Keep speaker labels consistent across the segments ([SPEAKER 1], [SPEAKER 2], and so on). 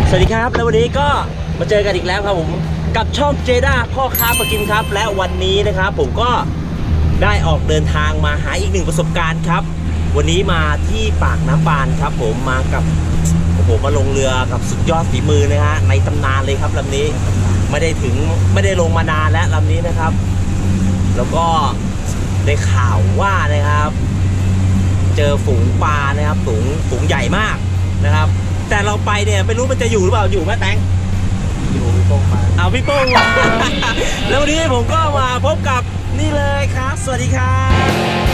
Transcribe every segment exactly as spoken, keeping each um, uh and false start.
[SPEAKER 1] สวัสดีครับแล้ววันนี้ก็มาเจอกันอีกแล้วครับผมกับช่องเจด้าพ่อค้าปลากินครับและวันนี้นะครับผมก็ได้ออกเดินทางมาหาอีกหนึ่งประสบการณ์ครับวันนี้มาที่ปากน้ำบานครับผมมากับโอ้โหมาลงเรือกับสุดยอดฝีมือนะฮะในตำนานเลยครับลำนี้ไม่ได้ถึงไม่ได้ลงมานานแล้วลำนี้นะครับแล้วก็ได้ข่าวว่านะครับเจอฝูงปลานะครับฝูงฝูงใหญ่มากนะครับแต่เราไปเนี่ยไม่รู้มันจะอยู่หรือเปล่าอยู่ไหมแตง
[SPEAKER 2] อยู่พี่โป้งมา
[SPEAKER 1] เอาพี่โป้งมา แล้ววันนี้ผมก็มาพบกับนี่เลยครับสวัสดีครับ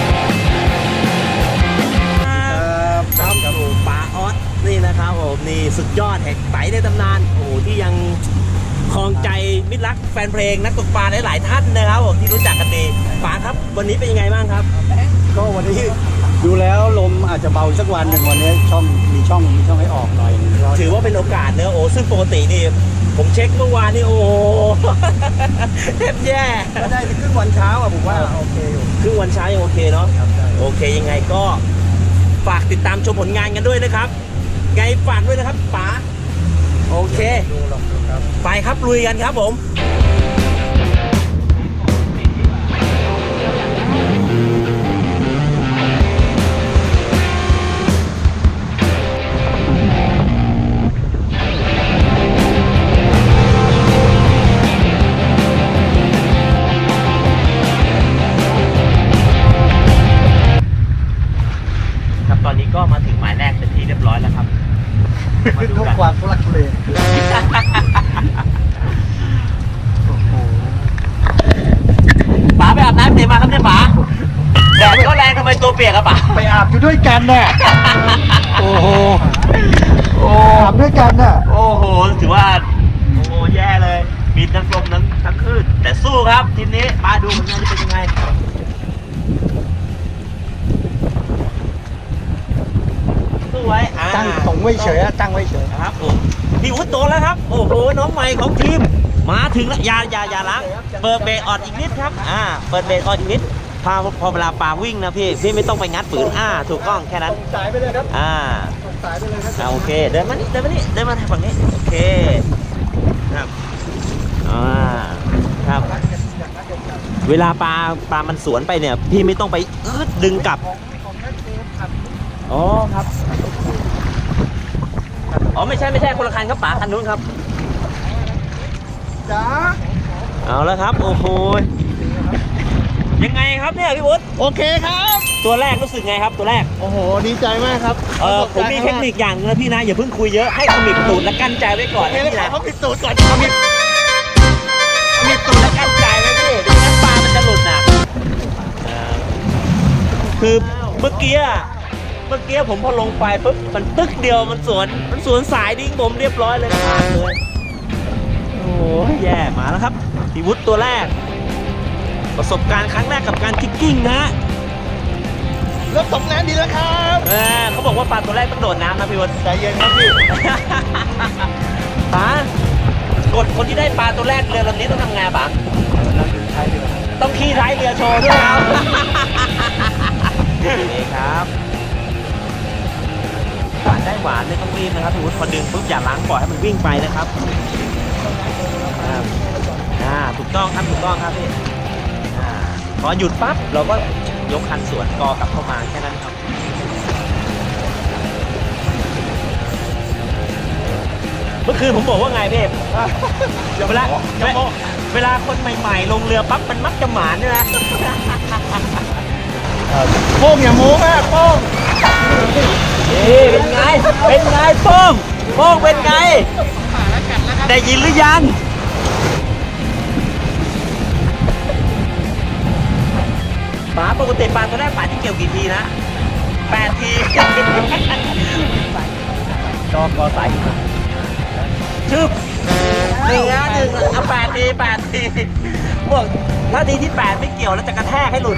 [SPEAKER 1] ครับครับผมปลาออสนี่นะครับผมนี่สุดยอดแห่งไต่ในตำนานโอ้โหที่ยังครองใจมิตรรักแฟนเพลงนักตกปลาหลายๆท่านนะครับผมที่รู้จักกันดีปลาครับวันนี้เป็นยังไงบ้างครับ
[SPEAKER 2] ก็วันนี้ดูแล้วลมอาจจะเบาสักวันหนึ่งวันนี้ช่องมีช่องมีช่องให้ออกหน่อย
[SPEAKER 1] ถือว่าเป็นโอกาสเนอะโอ้ซึ่งปกตินี่ผมเช็คเมื่อวานนี่โอ้เทบแย่
[SPEAKER 2] ก็ได้ครึ่งวันเช้าอ่ะผมว่าโอเคอยู่
[SPEAKER 1] ครึ่งวันเช้ายังโอเคเนาะโอเคยังไงก็ฝากติดตามชมผลงานกันด้วยนะครับไงฝากด้วยนะครับป๋าโอเคไปครับลุยกันครับผมตอนนี้ก็มาถึงหมายแรกเป็นที่เรียบร้อยแล้วครับ
[SPEAKER 2] มาดูกันความทุลักทุเล
[SPEAKER 1] ป๋าไปอาบน้ำเดี๋ยวมาครับเนี่ยป๋าแดดก็แรงทำไมตัวเปียกอะป๋า
[SPEAKER 2] ไปอาบอยู่ด้วยกันน่ะโอ้โหโอ้อาบด้วยกันน่ะ
[SPEAKER 1] โอ้โหถือว่าโอ้โหแย่เลยมีทั้งลมทั้งทั้งคลื่นแต่สู้ครับทีมนี้มาดูผลงานจะเป็นยังไงไว้
[SPEAKER 2] ตั้งตรงไว้เฉยตั้งไว้เฉย
[SPEAKER 1] ครับผมพี่วุฒิโตแล้วครับโอ้โหน้องใหม่ของทีมมาถึงแล้วอย่าอย่าอย่าล้างเปิดเบรกออดอีกนิดครับอ่าเปิดเบรกออดอีกนิดพอพอเวลาปลาวิ่งนะพี่พี่ไม่ต้องไปงัดฝืนอ่าถูกต้องแค่นั้น
[SPEAKER 2] สายไปเลยครับ
[SPEAKER 1] อ่า
[SPEAKER 2] สายไปเลยครับ
[SPEAKER 1] โอเคเดินมานี่เดินมานี่เดินมาทางฝั่งนี้โอเคครับอ่าครับเวลาปลาปลามันสวนไปเนี่ยพี่ไม่ต้องไปอึดดึงกลับอ๋อครับอ๋อไม่ใช่ไม่ใช่คนละคันครับป๋าคันนู้นครับ
[SPEAKER 2] จ้า
[SPEAKER 1] เอาแล้วครับโอ้โหยังไงครับเนี่ยพี่วุฒิ
[SPEAKER 2] โอเคครับ
[SPEAKER 1] ตัวแรกรู้สึกไงครับตัวแรก
[SPEAKER 2] โอ้โหดีใจมากครับ
[SPEAKER 1] เออผมมีเทคนิคอย่างนึงนะพี่นะอย่าเพิ่งคุยเยอะให้ขมิบตูดและกั้นใจไว้ก่อน
[SPEAKER 2] นี่นะขมิบตูดก่อนขมิบ
[SPEAKER 1] ขมิบตูดและกั้นใจไว้พี่เดี๋ยวงั้นปลามันจะหลุดนะคือเมื่อกี้เมื่อกี้ผมพอลงไปปุ๊บมันตึกเดียวมันสวนมันสวนสายดิ้งผมเรียบร้อยเลยขาดเลยโอ้ยแย่มาแล้วครับพี่วุฒิตัวแรกประสบการณ์ครั้งแรกกับการคิกกิ้งนะ
[SPEAKER 2] รถตกน้ำดีแล้วครับ
[SPEAKER 1] เออเขาบอกว่าปลาตัวแรกต้องโดดน้ำนะพี่วุฒิ
[SPEAKER 2] ใจเย็นครับพี่
[SPEAKER 1] ป๋ากดคนที่ได้ปลาตัวแรกเรือลำนี้ต้องทำไงป๋าต้องขี่ท้ายเรือโชว์ด้วยครับนี่ครับหวานได้หวานไม่ต้องรีบนะครับพี่วุฒิพอดึงปุ๊บอย่าล้างปล่อยให้มันวิ่งไปนะครับอ่าถูกต้องครับถูกต้องครับพี่อ่าพอหยุดปั๊บเราก็ยกคันสวนกอกลับเข้ามาแค่นั้นครับเมื่อคืนผมบอกว่าไงพี่เวลาเวลาคนใหม่ๆลงเรือปั๊บมันมักจะหมานด้วยนะ
[SPEAKER 2] โป้งอย่าโม้มากโป้ง
[SPEAKER 1] นี่เป็นไงเป็นไงโป้งโป้งเป็นไงได้ยินหรือยังป๋าปกติปลาตัวแรกป๋าที่เกี่ยวกี่ทีนะแปดทีก็ก็ใส่ชึบหนึ่งนะหนึ่งเอาแปดทีแปดทีพวกถ้าทีที่แปดไม่เกี่ยวแล้วจะกระแทกให้หลุด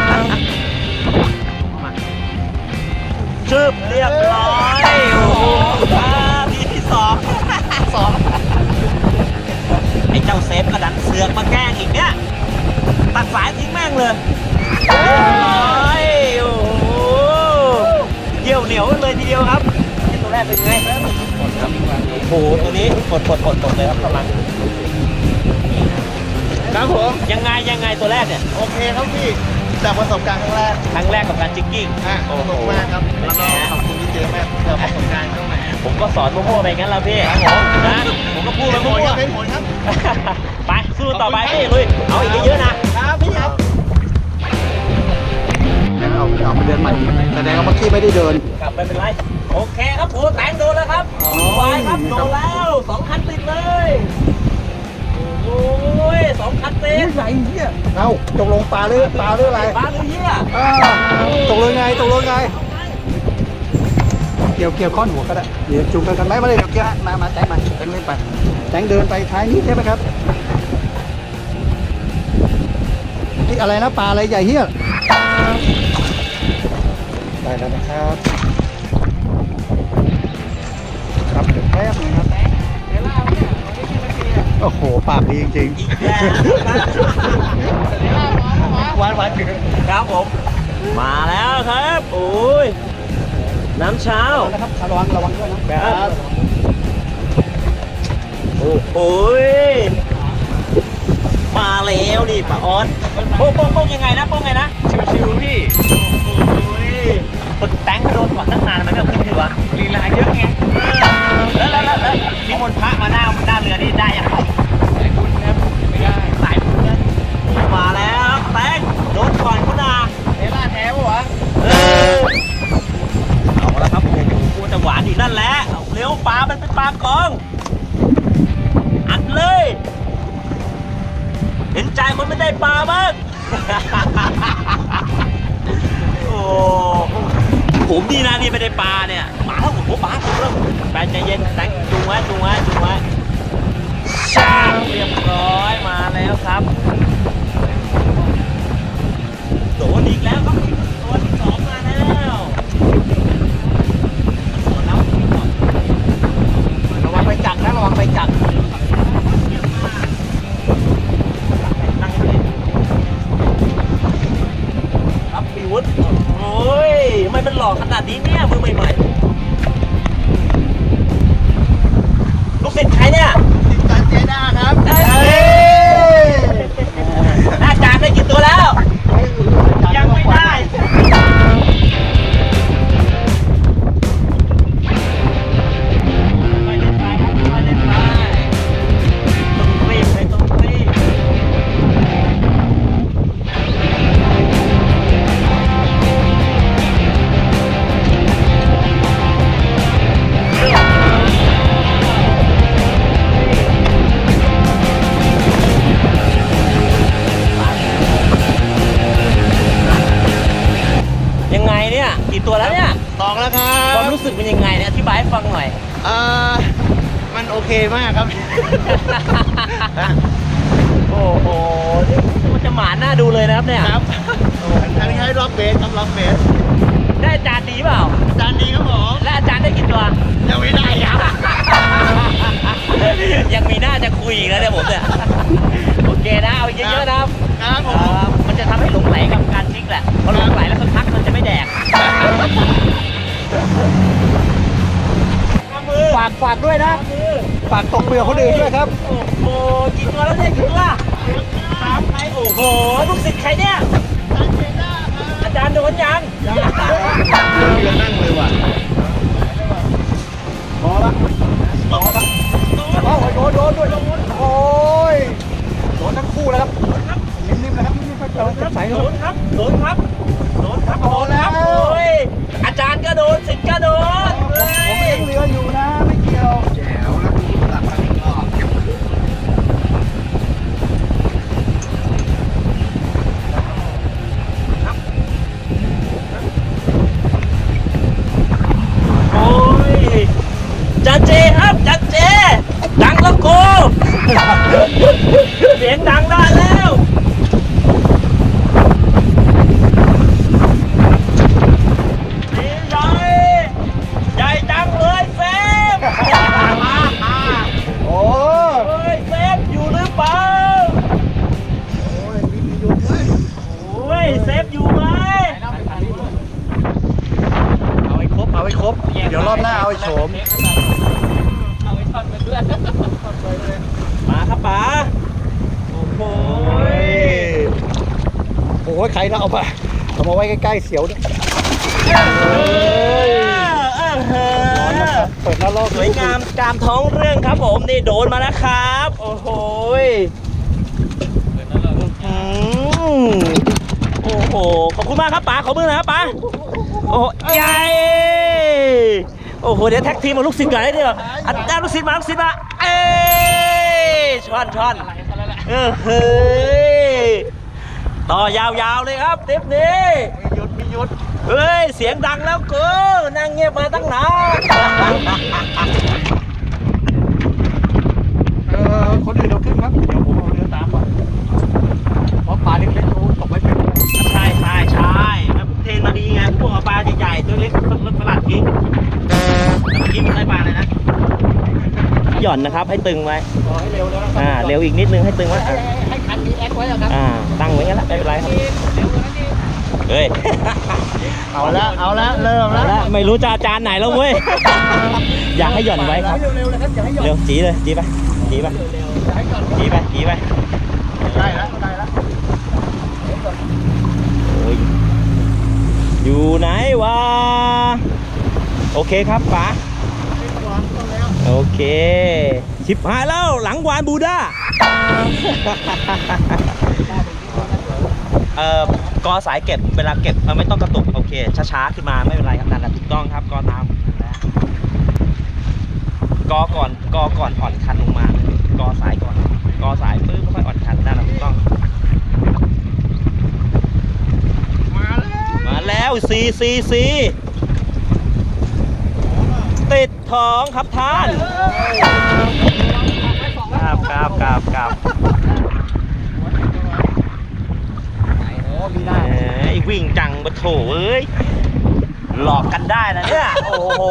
[SPEAKER 1] ชึบเรียบร้อยโอ้โหทีที่สองสองไอ้เจ้าเซฟกระดันเสือกมาแกล้งอีกเนี่ยตัดสายทิ้งแม่งเลยโอ้ยโอ้โหเยี่ยวเหนียวเลยทีเดียวครับตัวแรกเป็นไงโหตัวนี้กดกดกดกดเลยครับกำลัง
[SPEAKER 3] ครับผม
[SPEAKER 1] ยังไงยังไงตัวแรกเนี่ย
[SPEAKER 3] โอเคครับพี่จากประสบการณ์ครั้งแรก
[SPEAKER 1] ครั้งแรกกับการจิกกิ้ง
[SPEAKER 3] อ่ะสนุกมากครับแล้วก็ขอบคุณพี่เจมากที่เราประสบการณ์เข้ามา
[SPEAKER 1] ผมก็สอนมั่วๆไปงั้นแล้วพี่
[SPEAKER 3] ครับผม
[SPEAKER 1] นะผมก็พูดไป
[SPEAKER 3] เป็นผ
[SPEAKER 1] มั่
[SPEAKER 3] ล
[SPEAKER 1] ว
[SPEAKER 3] ครับเป็นผลครับ
[SPEAKER 1] ๆ ไปสู้ต่อไปพี่ลุยเอาอีกเยอะๆนะครับ
[SPEAKER 3] พี่ครับ
[SPEAKER 2] เอาเอาไปเดินใหม่แสดงว่าเมื่อกี้ไม่ได้เดิน
[SPEAKER 1] กลับไม่เป็นไรโอเคครับโอ้แตงโดนแล้วครับไปครับโดนแล้วสองคันติดเลยโอ้ยสองคันติด
[SPEAKER 2] ใหญ่เหี้ยเอ้าตกลงปลาหรือปลาหรืออะไร
[SPEAKER 1] ปลาตัวเหี้ย
[SPEAKER 2] อ่าตกลงไงตกลงไง เกี่ยวเกี่ยวข้อนหัวก็ได้ เดี๋ยวจูงกันกันไหมมาเลยเดี๋ยวเกี่ยวมามาแตงมาแตงเล่นไปแตงเดินไปท้ายนี้ใช่ไหมครับที่อะไรนะปลาอะไรใหญ่เหี้ยได้แล้วนะครับ ครับเดี๋ยวแป๊บนึงครับโอ้โหปากดีจริงๆหวานหวานเกิน
[SPEAKER 1] ครับผม มาแล้วครับโอ้ยน้ำเช้า
[SPEAKER 2] นะครับระวังระวังด้วยนะครับ
[SPEAKER 1] โอ้โหยมาแล้วนี่ป้าออสโป้งโป้งโป้งยังไงนะโป้งไงนะชิวๆพี่โอ้ยคนแตงโดนก่อนตั้งนานมันไม่เอาขึ้นอยู่วะลีลาเยอะไงแล้วแล้วแล้วแล้วนิมนต์พระมาหน้าหน้าเรือนี่ได้ยังไงสายบุญครับไม่ได้สายบุญนะมาแล้วแตงโดนก่อนคุณอาเอล่าแท้ปะวะเออเอาละครับโอ้โหกูจะหวานอีกนั่นแหละเอาเร็วปลามันเป็นปลากองอัดเลยเห็นใจคนไม่ได้ปลาบ้าง โอ้ผมดีนะนี่ไม่ได้ปลาเนี่ยมาแล้วผมปลาผมแล้วไปใจเย็นแตงจูงไว้จูงไว้จูงไว้ชาเรียบร้อยมาแล้วครับโดนอีกแล้วครับตัวที่สองมาแล้วสวนแล้วระวังไปจักนะระวังไปจักนั่งเลยครับปีวุฒิโอ้ยทำไมมันหลอกขนาดนี้เนี่ยมือใหม่ๆลูกศิษย์ใครเนี่ย
[SPEAKER 3] ติดการเจด้าครับ
[SPEAKER 1] เอ้ยอาจารย์ได้กี่ตัวแล้ว ยังไม่ได้ไม่เล่นไปครับไม่เล่นไปต้องรีบเลยต้องรีบยังไงเนี่ยกี่ตัวแล้วเนี่ย
[SPEAKER 3] สองแล้วครั
[SPEAKER 1] ความ
[SPEAKER 3] บ
[SPEAKER 1] รู้สึกเป็นยังไงเนี่ยอธิบายให้ฟังหน่อย
[SPEAKER 3] เอ่อมันโอเคมากครับ
[SPEAKER 1] โอ้โหนี่มันจะหมาหน้าดูเลยนะครับเนี่ย
[SPEAKER 3] ครับทางนี้ให้ล็อกเบสครับล็อกเบส
[SPEAKER 1] ได้อาจารย์ดีเปล่า
[SPEAKER 3] จานดีครับผม
[SPEAKER 1] และอาจารย์ได้กี่ตัว
[SPEAKER 3] ยังไม่ได้ครับ
[SPEAKER 1] ยังมีหน้าจะคุยอีกแล้วเนี่ยผมเนี่ย โอเคนะ เอาเยอะๆนะครับ
[SPEAKER 3] ครับผ
[SPEAKER 1] เอ่
[SPEAKER 3] ม
[SPEAKER 1] อมันจะทำให้หลงไหลกับการชิกแหละพอหลงไหลแล้วสักพักมันจะไม่แดกฝากฝากด้วยนะ
[SPEAKER 2] ฝากตกเปลือกคนอื่นด้วยครับ
[SPEAKER 1] โอ้โหกี่ตัวแล้วเนี่ยกี่ตัวสามใครโอ้โหลูกศิษย์ใครเนี่ย อาจารย์โดนยัง
[SPEAKER 3] เรือนั่งเลยว่ะ
[SPEAKER 2] พอละพอละโอ้ยโดนโดนด้วยโดนโอ้ยโดนทั้งคู่แล้วครับนิ่มๆนะครับนิ่มๆครับโดนจับสาย
[SPEAKER 1] โด
[SPEAKER 2] โดน
[SPEAKER 1] นครับ โดนครับ โดนครับ
[SPEAKER 2] โดนแล้ว
[SPEAKER 1] โอ้ยอาจารย์ก็โดนศิษย์ก็โดน
[SPEAKER 2] ผมเลี้ยงเรืออยู่นะไม่เกี่ยวแจ๋วแล้วตัดมาอีกรอบ
[SPEAKER 1] โอ้ยจันเจครับจันเจ ดังแล้วโก เสียงดังได้แล้วนี่ใหญ่ใหญ่จังเลยเฟม
[SPEAKER 2] หใครนะเอามาเอามาไว้ใกล้ๆเสียวด้วย เปิดหน้าลอก
[SPEAKER 1] สวยงามกามท้องเรื่องครับผมนี่โดนมาแล้วครับ โอ้โหอืมโอ้โหขอบคุณมากครับป๋าขอบคุณนะครับป๋าโอ้ใหญ่โอ้โหเดี๋ยวแท็กทีมมาลูกศิษย์ก่อนได้เดี๋ยวอันจ้าลูกศิษย์มาลูกศิษย์มาเอ้ยช้อนช้อนเออเฮ้ยต่อยาวๆเลยครับเทปนี้
[SPEAKER 2] มีหยุดมีหยุด
[SPEAKER 1] เฮ้ยเสียงดังแล้วกูนั่งเงียบมาตั้งนาน
[SPEAKER 2] เออคนอื่นเราขึ้นครับเดี๋ยวผมเอาเรือตามไปเพราะปลาเล็กๆโอ้ตกไม่เป็น
[SPEAKER 1] ใช่ใช่ใช่แล้วเทรนมาดีไงพวกเอาปลาใหญ่ๆตัวเล็กรถประหลาดทิ้งแต่เมื่อกี้มันได้ปลาอะไรนะหย่อนนะครับให้ตึงไว้
[SPEAKER 2] ขอให้เร็วแล้วนะ
[SPEAKER 1] อ่าเร็วอีกนิดนึงให้ตึงไว้
[SPEAKER 2] ให้ให้คันนี้แอคไว้แล้วครับ
[SPEAKER 1] อ่าตั้งไว้งั้นแหละไม่เป็นไรครับเฮ้ย
[SPEAKER 2] เอาละเอาละเริ่ม
[SPEAKER 1] เอา
[SPEAKER 2] แล้ว
[SPEAKER 1] ละไม่รู้จะอาจารย์ไหนแล้วเว้ยอยากให้หย่อนไว้ครับ
[SPEAKER 2] เร็วๆเลยครับอย่าให้หย่อน
[SPEAKER 1] เร็วจีเลยจีไปจีไป
[SPEAKER 2] อย่าให้หย่อน
[SPEAKER 1] จีไปจีไป
[SPEAKER 2] ได้แล้วได้แล้ว
[SPEAKER 1] โอ้ยอยู่ไหนวะโอเคครับป๋าโอเคชิบหายแล้วหลังวานบูด้าเอ่อกอสายเก็บเวลาเก็บมันไม่ต้องกระตุกโอเคช้าๆขึ้นมาไม่เป็นไรครับนั่นแหละถูกต้องครับกอตามกอก่อนกอก่อนอ่อนคันลงมากอสายก่อนกอสายปื้มค่อยอ่อนคันนั่นแหละถูกต้องมาแล้วซีซีซีติดท้องครับท่านครับครับครับครับ
[SPEAKER 2] โอ้มีได้
[SPEAKER 1] แหมไอ้วิ่งจังบะโถเอ้ยหลอกกันได้นะเนี่ยโอ้โห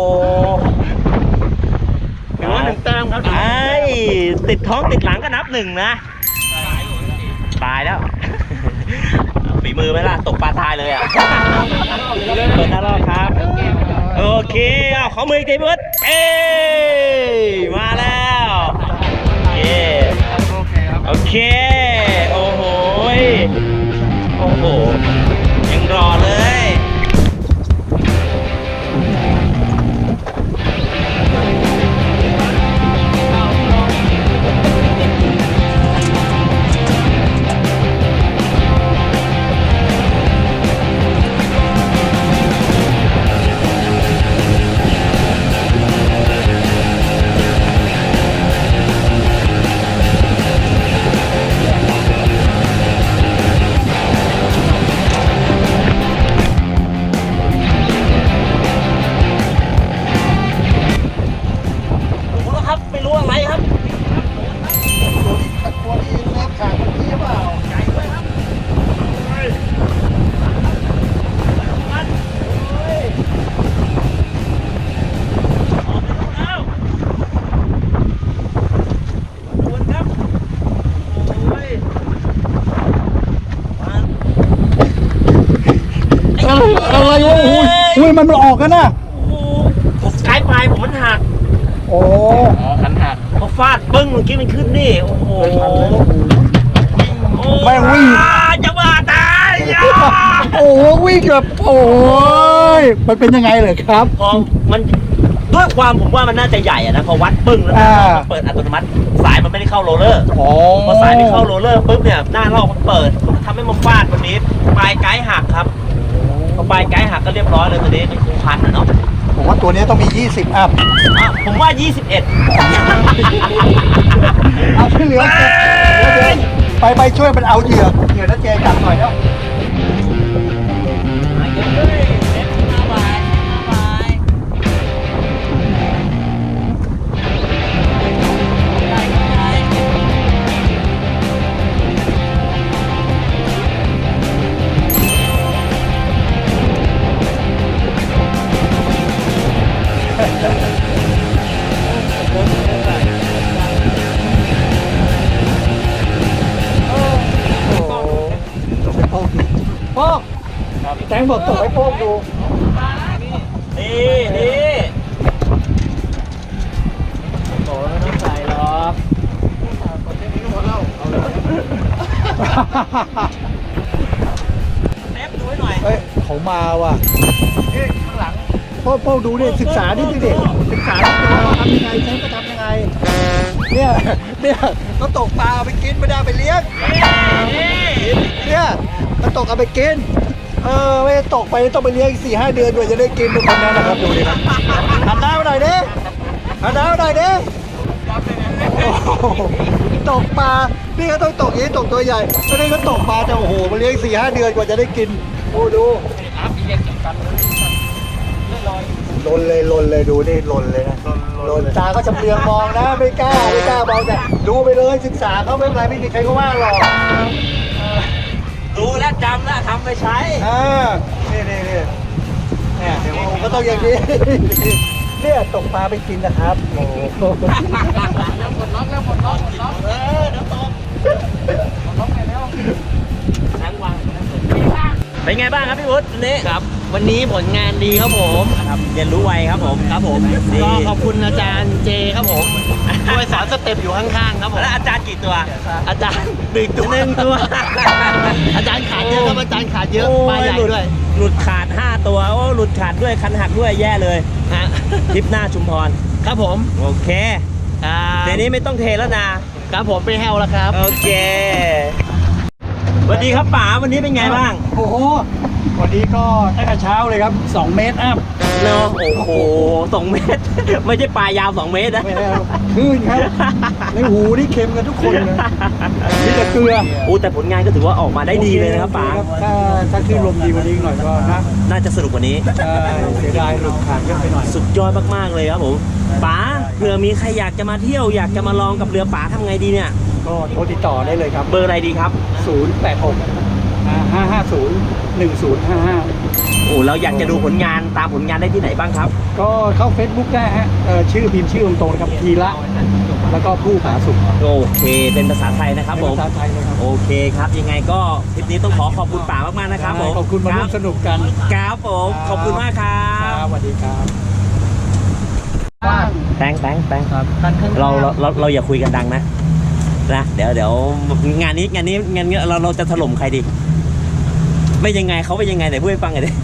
[SPEAKER 2] ถือว่าหนึ่งแต้มครับ
[SPEAKER 1] ไอ้ติดท้องติดหลังก็นับหนึ่งนะตายแล้วฝีมือไหมล่ะตกปลาตายเลยอ่ะเปิดหน้ารอบครับโอเคเอาขอมืออีกทีเบิร์ดเอ้ยมาแล้วเย้
[SPEAKER 2] โอเคครับ
[SPEAKER 1] โอเคโอ้โหโอ้โหยังรอเลย
[SPEAKER 2] อะไรวะโอ้ยอุ้ยมันมันออกกันนะ
[SPEAKER 1] ผมใช้ปลายผมมันหัก
[SPEAKER 2] โอ้
[SPEAKER 3] ขันหัก
[SPEAKER 1] พอฟาดปึ้งเมื่อกี้มันขึ้นนี่โอ้โห
[SPEAKER 2] แม่งวิ่ง
[SPEAKER 1] จะบ้าตายอ่ะ
[SPEAKER 2] โอ้วิ่งแบบโอ้ยมันเป็นยังไงเลยครับ
[SPEAKER 1] พอมันด้วยความผมว่ามันน่าจะใหญ่อะนะพอวัดปึ้งแล้วนะ
[SPEAKER 2] อ่า
[SPEAKER 1] มันเปิดอัตโนมัติสายมันไม่ได้เข้าโรลเลอร์
[SPEAKER 2] โอ้
[SPEAKER 1] พอสายไม่เข้าโรลเลอร์ปุ๊บเนี่ยหน้าลอกมันเปิดทำให้มันฟาดวันนี้ปลายไกด์หักครับพอปลายไกด์หักก็เรียบร้อยเลยตัวนี้มันคงพันอะเนาะ
[SPEAKER 2] ผมว่าตัวนี้ต้องมียี่สิบอัพ
[SPEAKER 1] อ่ะผมว่ายี่สิบเอ็ด
[SPEAKER 2] เอาที่เหลือเก็บเดี๋ยวเดี๋ยวไปไปช่วยมันเอาเหยื่อเหยื่อแล้วเจจับหน่อยแล้ว โป้งแตงบอกส่งให้โป้งดู
[SPEAKER 1] นี่นี่โอ้ไม่ต้องใส่หรอก
[SPEAKER 2] เเขามาว่ะนี่ข้างหลังพ่อพ่อดูดิศึกษาดิดิศึกษาดิว่าทำยังไงใช้ก็ทำยังไงเนี่ยเนี่ยเขาตกปลาเอาไปกินไม่ได้เอาไปเลี้ยงเนี่ยเขาตกเอาไปกินเออไม่ตกไปต้องไปเลี้ยงอีกสี่ห้าเดือนกว่าจะได้กินทุกคนนั้นนะครับดูดินะหันหน้ามาหน่อยดิหันหน้ามาหน่อยดิตกปลานี่เขาต้องตกอย่างนี้ตกตัวใหญ่ไม่ได้เขาตกปลาจะโอ้โหมาเลี้ยงสี่ห้าเดือนกว่าจะได้กินโอ้ดูลนเลยลนเลยดูนี่ลนเลยนะลนตาก็จำเรืองมองนะไม่กล้าไม่กล้ามองแต่ดูไปเลยศึกษาเขาไม่เป็นไรไม่มีใครก็ว่าหรอก
[SPEAKER 1] รู้และจำและทำไปใช้
[SPEAKER 2] อ่านี่นี่นี่เนี่ยเดี๋ยวผมก็ต้องอย่างนี้เนี่ยตกปลาไปกินนะครับโอ้โห
[SPEAKER 1] เป็นไงบ้างครับพี่วุฒิวันนี้
[SPEAKER 4] ครับวันนี้ผลงานดีครับผม
[SPEAKER 1] ครับเรียนรู้ไวครับผม
[SPEAKER 4] ครับผม
[SPEAKER 1] ดี
[SPEAKER 4] ก็ขอบคุณอาจารย์เจครับผมช่วยสอนสเต็ปอยู่ข้างๆครับผม
[SPEAKER 1] แล้วอาจารย์กี่ตัว
[SPEAKER 4] อาจารย์หนึ่งตัวหนึ่งตัว อาจารย์ขาดเยอะครับอาจารย์ขาดเยอะปลาใหญ่
[SPEAKER 1] หลุ
[SPEAKER 4] ด้วย
[SPEAKER 1] หลุดขาดห้าตัวโอ้หลุดขาดด้วยคันหักด้วยแย่เลย
[SPEAKER 4] ฮะ
[SPEAKER 1] ทริปหน้าชุมพร
[SPEAKER 4] ครับผม
[SPEAKER 1] โอเค
[SPEAKER 4] อ่า
[SPEAKER 1] เดี๋ยวนี้ไม่ต้องเทแล้วนะครับ
[SPEAKER 4] ผมไปแฮวแล้วครับ
[SPEAKER 1] โอเคสวัสดีครับป๋าวันนี้เป็นไงบ้าง
[SPEAKER 2] โอ้โหวันนี้ก็ตั้งแต่เช้าเลยครับสองเมตรอัพ
[SPEAKER 1] เนาะโอ้โหสองเมตร ไม่ใช่ปลายาวสองเมตรนะ
[SPEAKER 2] ไม่ได้คลื่นครับในหูนี่เค็มกันทุกคนเลยนี่แต่เกลือ
[SPEAKER 1] โอ้แต่ผลงานก็ถือว่าออกมาได้ดีเลยนะครับป๋า
[SPEAKER 2] ถ้าถ้าคลื่นลมดีกว่านี้หน่อยก็นะ
[SPEAKER 1] น่าจะสนุกกว่านี้
[SPEAKER 2] ใช่เสียดายหลุดขาดเยอะไปหน่อย
[SPEAKER 1] สุดยอดมากๆเลยครับผมป๋าเผื่อมีใครอยากจะมาเที่ยวอยากจะมาลองกับเรือป๋าทำไงดีเนี่ย
[SPEAKER 2] ก็โทรติดต่อได้เลยครับ
[SPEAKER 1] เบอร์อะไรดีครับ
[SPEAKER 2] ศูนย์ แปด หก ห้า ห้า ศูนย์ หนึ่ง ศูนย์ ห้า ห้า
[SPEAKER 1] โอ้เราอยากจะดูผลงานตามผลงานได้ที่ไหนบ้างครับ
[SPEAKER 2] ก็เข้า Facebook ได้ฮะเอ่อชื่อพิมพ์ชื่อตรงๆนะครับทีละแล้วก็ผู้ผาสุก
[SPEAKER 1] โอเคเป็นภาษาไทยนะครับผม
[SPEAKER 2] ภาษาไทยเลยครับ
[SPEAKER 1] โอเคครับยังไงก็คลิปนี้ต้องขอขอบคุณป๋ามากๆนะครับผม
[SPEAKER 2] ขอบคุณมาร่วมสนุกกัน
[SPEAKER 1] ครับผมขอบคุณมากครั
[SPEAKER 2] ครับ บสวัสดีครับ
[SPEAKER 1] แตงแตงแตง
[SPEAKER 2] ครับท่านข้าง
[SPEAKER 1] เราเราเราเราอย่าคุยกันดังนะนะเดี๋ยวเดี๋ยวงานนี้งานนี้งานนี้เราเราจะถล่มใครดีไม่ยังไงเขาไม่ยังไงไหนพูดให้ฟังหน่อยดิ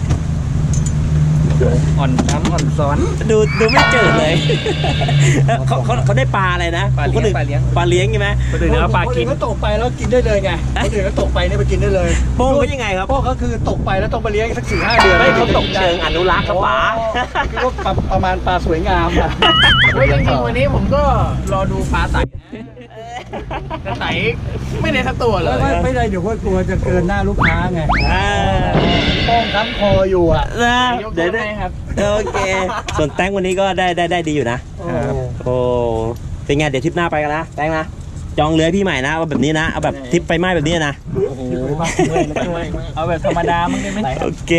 [SPEAKER 2] อ่อนช้ำอ่อนซ้อน
[SPEAKER 1] ดูดูไม่เจอเลยเขาเขาเขาได้ปลาอะไรนะ
[SPEAKER 2] ปลาเลี้ยง
[SPEAKER 1] คนอื่น
[SPEAKER 2] ปลาเลี้ยง
[SPEAKER 1] ปลาเลี้ยงใช่ไหม
[SPEAKER 2] คนอื่นเขาปลากินเขาตกไปแล้วกินได้เลยไงคนอื่นเขาตกไปเนี่ยไปกินได้เลย
[SPEAKER 1] โป้งเขายังไงครับ
[SPEAKER 2] พวกเขาคือตกไปแล้วต้องไปเลี้ยงสักสี่ห้าเดือน
[SPEAKER 1] ไม่เขาตกเชิงอนุรักษ์ครับป๋า
[SPEAKER 2] คือว่าประมาณปลาสวยงามอะ
[SPEAKER 4] เฮ้ยจริงๆวันนี้ผมก็รอดูปลาไต่แต่ไต่ไม่ได้สักตัวเลย
[SPEAKER 2] ไม่ไม่ได้เดี๋ยวกลัวจะเกินหน้าลูกค้าไง
[SPEAKER 1] อ่า
[SPEAKER 2] ป้องค้ำคออยู่อ่ะ
[SPEAKER 1] นะ
[SPEAKER 4] ยก
[SPEAKER 1] เดี๋ยว
[SPEAKER 4] โทษให้ครับ
[SPEAKER 1] โอเค ส่วนแตงวันนี้ก็ได้ได้ได้ดีอยู่นะ โอ้เป็นไงเดี๋ยวทริปหน้าไปกันนะแตงนะจองเรือให้พี่ใหม่นะเอาแบบนี้นะเอาแบบทริปไปไหม้แบบนี้นะ
[SPEAKER 4] เอาแบบธรรมดามั้งได้ไหม
[SPEAKER 1] โอเค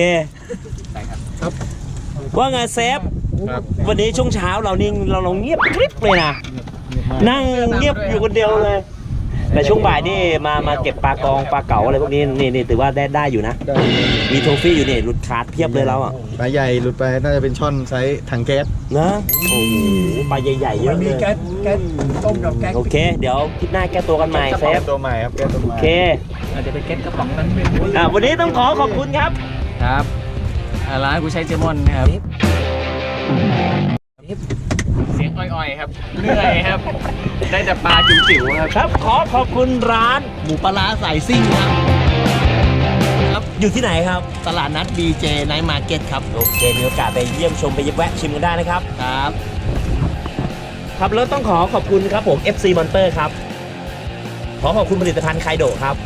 [SPEAKER 1] ว่าไงเซฟวันนี้ช่วงเช้าเรานี่เราเราเงียบกริบเลยนะนั่งเงียบอยู่คนเดียวเลย แต่ช่วงบ่ายนี่มามาเก็บปลากองปลาเก๋าอะไรพวกนี้นี่นี่ถือว่าได้ได้อยู่นะ มีโทฟี่อยู่นี่หลุดขาดเพียบเลยเราอ่ะ
[SPEAKER 3] ปลาใหญ่หลุดไปน่าจะเป็นช่อนไซส์ถังแก๊ส
[SPEAKER 1] นะโอ้โหปลาใหญ่ๆเย
[SPEAKER 2] มั
[SPEAKER 1] อะ
[SPEAKER 2] น
[SPEAKER 1] เล
[SPEAKER 2] มี
[SPEAKER 1] ย
[SPEAKER 2] แก๊สแก๊สต้มกับแก๊ส
[SPEAKER 1] โอเค เดี๋ยวคลิปหน้าแก้ตัวกันใหม่เซฟ
[SPEAKER 3] ตัวใหม่ครับแก๊สตัวให
[SPEAKER 1] โอ
[SPEAKER 3] ม่
[SPEAKER 1] เค
[SPEAKER 4] อาจจะไปเก็ตกระป๋องนั้นเป็น
[SPEAKER 1] อ่าวันนี้ต้องขอขอบคุณครับ
[SPEAKER 4] ครับอ่าร้านกูใช้เจมอนนะครับเสียงอ่อยๆครับเหนื่อยครับ ได้แต่ปลาจิ๋วๆครับ
[SPEAKER 1] ครับขอขอบคุณร้าน
[SPEAKER 4] หมูปลาร้าสายซิ่งครับครับ
[SPEAKER 1] อยู่ที่ไหนครับ
[SPEAKER 4] ตลาดนัด บี เจ Night Market ครับ
[SPEAKER 1] โอเคมีโอกาสไปเยี่ยมชมไปแวะชิมกันได้นะครับ
[SPEAKER 4] ครับ
[SPEAKER 1] ครับแล้วต้องขอขอบคุณครับผม เอฟ ซี Monster ครับ ขอขอบคุณผลิตภัณฑ์ไคโดะครับ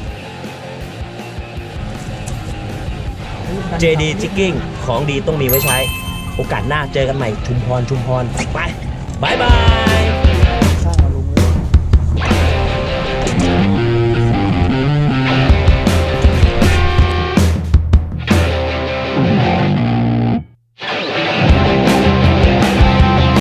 [SPEAKER 1] เจ ดี Jigging ของดีต้องมีไว้ใช้ โอกาสหน้าเจอกันใหม่ชุมพรชุมพรไปบายบาย